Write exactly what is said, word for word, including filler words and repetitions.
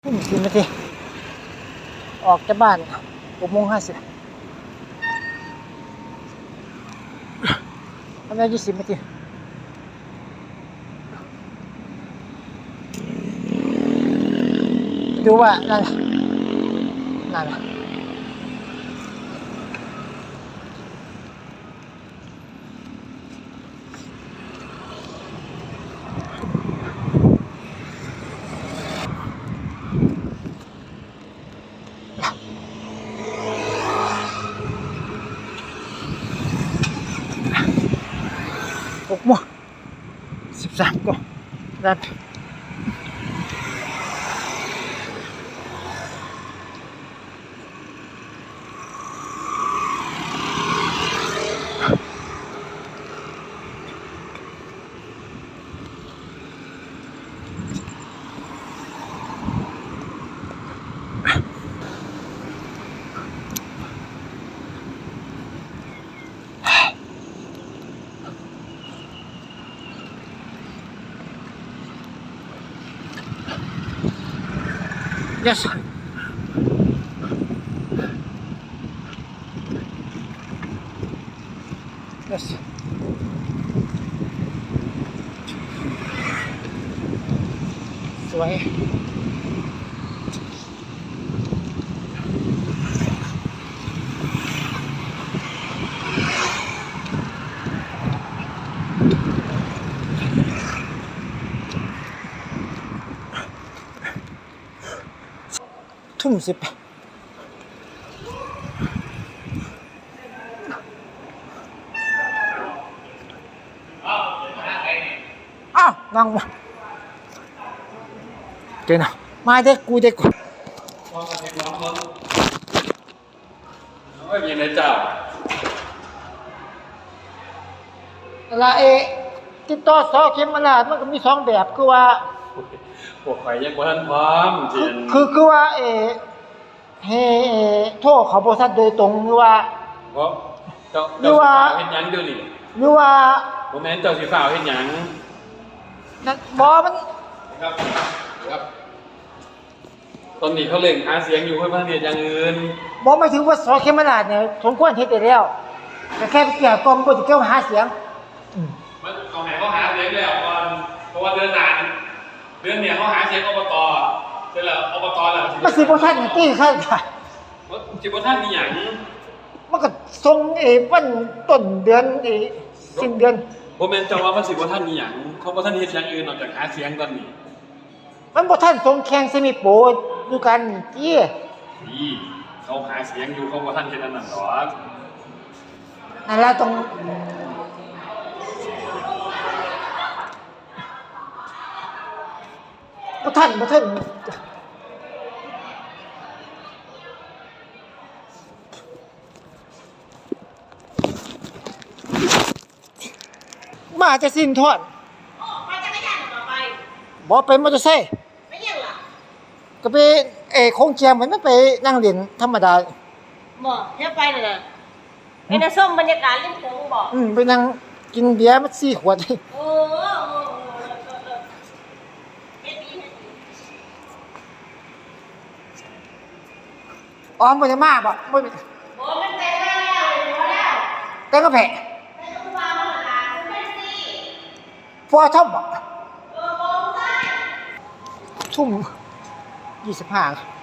ทุ่มสิบนาทีออกจากบ้านหกโมงห้าสิบทำได้ยี่สิบนาทีดูว่านั่นนั่นหกโมงสิบสามก็นั่นyes yes สวยทุ่มสิบอ้าวนั่งมาเจอนะมาเด็กกูเด็กกูไม่มีในเจ้าอะไรเอติดต่อสอเข็มมาลาดมันก็มีสองแบบคือว่าพวกใครยังบ่ทันพร้อมจริงคือคือว่าเอเฮเอโทษเขาบริษัทโดยตรงหรือว่าเพราะเจ้าเจ้าสิฝ่าวเฮ็ดหยังเดี๋ยวนี้หรือว่าบ่แม่นเจ้าสิฝ่าวเฮ็ดหยังนั่นบ่มันครับครับตอนนี้เขาเล่นหาเสียงอยู่เพื่อประเทศอย่างอื่นบ่หมายถึงว่าสอเข็มมาลาดเนี่ยสมควรเฮ็ดได้แล้วแต่แค่ไปเกี่ยวกรมบ่สิเกี่ยวหาเสียงมันเอาให้เขาหาเสียงแล้วก่อนเพราะว่าเดือนหน้าเดือนเนี่ยเขาหาเสียงอบตเสร็จแล้วอบตแล้วมันสิบ่ทันตี้คั่นค่ะสิบ่ทันมีหยังมันก็ส่งเอวันต้นเดือนเอสิ้นเดือนบ่แม่นจังว่ามันสิบ่ทันมีหยังเขาบ่ทันเฮ็ดอย่างอื่นนอกจากหาเสียงตอนนี้มันบ่ทันส่งแข่งเซมิโปรดูกันจี้นี่เขาหาเสียงอยู่เขาบ่ทันเฮ็ดอันนั้นดอกนั่นล่ะต้องบ่ทันบ่ทันมาจะสิ้นทอดอ๋อมาจักรยานต่อไปบ่ไปมอเตอร์ไซค์ไม่ยังล่ะก็ไปเอโคงเจียมมันไปนั่งเล่นธรรมดาบ่เที่ยวไปน่ะไอ้น่ะส้มบรรยากาศริมโขงบ่อืมไปนั่งกินเบียร์มาสี่ขวดโอ้โหเฮ็ดดีอ๋อบ่ได้มาบ่บ่บ่มันแต่งแล้วบ่แล้วแต่งก็แพ้แต่ก็ว่ามันล่ะคุณแม่สิฟอทอมบ่เออบ่ใช่ทุ่มยี่สิบห้า